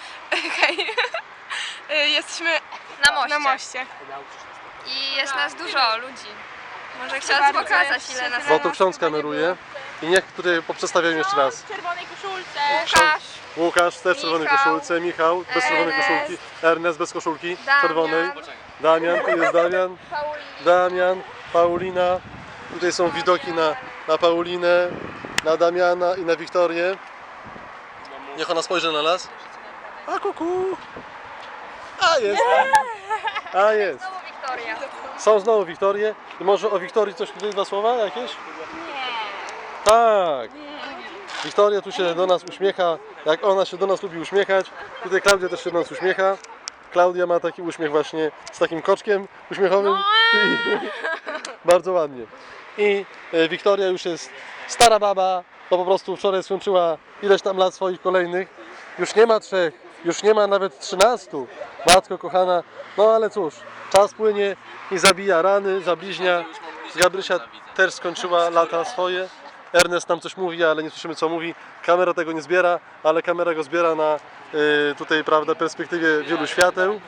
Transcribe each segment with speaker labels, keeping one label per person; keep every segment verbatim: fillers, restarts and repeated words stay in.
Speaker 1: Hej. Jesteśmy
Speaker 2: Na moście.
Speaker 1: na moście.
Speaker 2: I jest nas dużo ludzi. Może chciałabym
Speaker 1: bardzo,
Speaker 2: pokazać ile nas
Speaker 1: tyle
Speaker 3: Bo tu ksiądz kameruje i niech tutaj poprzedstawiają jeszcze raz.
Speaker 1: W czerwonej koszulce.
Speaker 2: Łukasz,
Speaker 3: Łukasz też w czerwonej
Speaker 2: Michał,
Speaker 3: koszulce, Michał bez czerwonej
Speaker 2: Ernest,
Speaker 3: koszulki, Ernest bez koszulki
Speaker 2: Damian,
Speaker 3: czerwonej, Damian, tu jest Damian,
Speaker 2: Paulina.
Speaker 3: Damian, Paulina, tutaj są widoki na, na Paulinę, na Damiana i na Wiktorię. Niech ona spojrzy na nas. A kuku! A jest! A jest!
Speaker 2: Znowu Wiktoria.
Speaker 3: Są znowu Wiktorie. I może o Wiktorii coś tutaj dwa słowa jakieś? Nie. Tak. Wiktoria tu się do nas uśmiecha, jak ona się do nas lubi uśmiechać. Tutaj Klaudia też się do nas uśmiecha. Klaudia ma taki uśmiech właśnie z takim koczkiem uśmiechowym. Bardzo ładnie. I e, Wiktoria już jest stara baba, to po prostu wczoraj skończyła ileś tam lat swoich kolejnych. Już nie ma trzech, już nie ma nawet trzynastu. Matko kochana, no ale cóż, czas płynie i zabija rany, zabliźnia. Gabrysia też skończyła lata swoje. Ernest nam coś mówi, ale nie słyszymy co mówi. Kamera tego nie zbiera, ale kamera go zbiera na y, tutaj, prawda, perspektywie wielu świateł.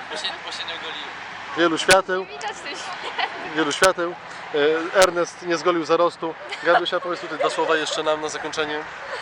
Speaker 3: Wielu świateł.
Speaker 2: Widać coś.
Speaker 3: Wielu świateł. Y, Ernest nie zgolił zarostu. Gabrysia, powiedz tutaj dwa słowa jeszcze nam na zakończenie.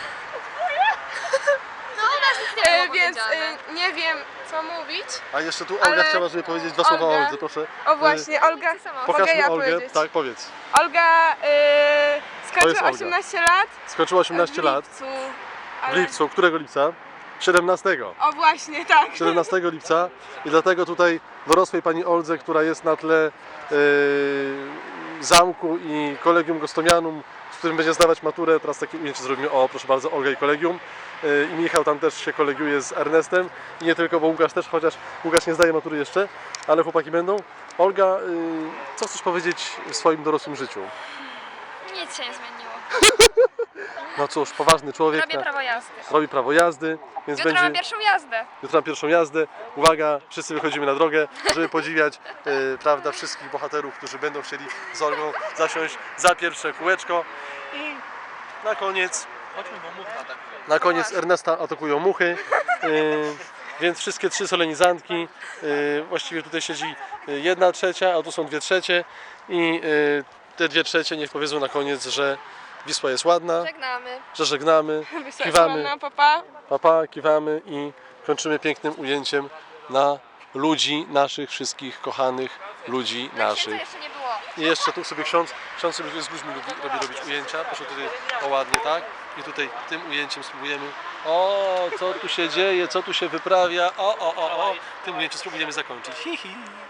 Speaker 1: E, więc e, nie wiem co mówić.
Speaker 3: A jeszcze tu Olga
Speaker 1: Ale-
Speaker 3: chciała, żeby powiedzieć dwa słowa o
Speaker 1: Olga.
Speaker 3: Oldze, proszę.
Speaker 1: O właśnie, Olga. Mogę
Speaker 3: Pokażmy
Speaker 1: ja
Speaker 3: Olgę.
Speaker 1: powiedzieć.
Speaker 3: Tak, powiedz.
Speaker 1: Olga e,
Speaker 3: jest
Speaker 1: skończyła
Speaker 3: Olga.
Speaker 1: osiemnaście lat.
Speaker 3: Skończyła osiemnaście
Speaker 1: w
Speaker 3: lat.
Speaker 1: lipcu,
Speaker 3: W
Speaker 1: ale-
Speaker 3: lipcu. Którego lipca? siedemnastego.
Speaker 1: O właśnie, tak.
Speaker 3: siedemnastego lipca i dlatego tutaj dorosłej pani Oldze, która jest na tle yy, zamku i kolegium Gostomianum, z którym będzie zdawać maturę, teraz takie ujęcie zrobimy, o proszę bardzo, Olga i kolegium. Yy, I Michał tam też się kolegiuje z Ernestem i nie tylko, bo Łukasz też, chociaż Łukasz nie zdaje matury jeszcze, ale chłopaki będą. Olga, yy, co chcesz powiedzieć w swoim dorosłym życiu?
Speaker 2: Nic się nie zmieniło.
Speaker 3: No cóż, poważny człowiek,
Speaker 2: Robię
Speaker 3: na-
Speaker 2: prawo jazdy.
Speaker 3: robi prawo jazdy, więc
Speaker 2: Jutro
Speaker 3: będzie...
Speaker 2: mam pierwszą jazdę.
Speaker 3: Jutro na pierwszą jazdę. Uwaga, wszyscy wychodzimy na drogę, żeby podziwiać e, prawda, wszystkich bohaterów, którzy będą chcieli z Olgą zasiąść za pierwsze kółeczko. I na koniec, na koniec Ernesta atakują muchy. E, więc wszystkie trzy solenizantki, e, właściwie tutaj siedzi jedna trzecia, a tu są dwie trzecie. I e, te dwie trzecie niech powiedzą na koniec, że Wisła jest ładna,
Speaker 2: Żegnamy.
Speaker 3: że żegnamy, kiwamy.
Speaker 1: Kiwamy. Papa.
Speaker 3: Papa, kiwamy i kończymy pięknym ujęciem na ludzi naszych, wszystkich kochanych ludzi
Speaker 2: Księdza
Speaker 3: naszych.
Speaker 2: jeszcze nie było.
Speaker 3: I jeszcze tu sobie ksiądz, ksiądz sobie z ludźmi lubi, robi robić ujęcia, proszę tutaj o ładnie, tak? I tutaj tym ujęciem spróbujemy, o co tu się dzieje, co tu się wyprawia, o, o, o, o, tym ujęciem spróbujemy zakończyć. Hi, hi.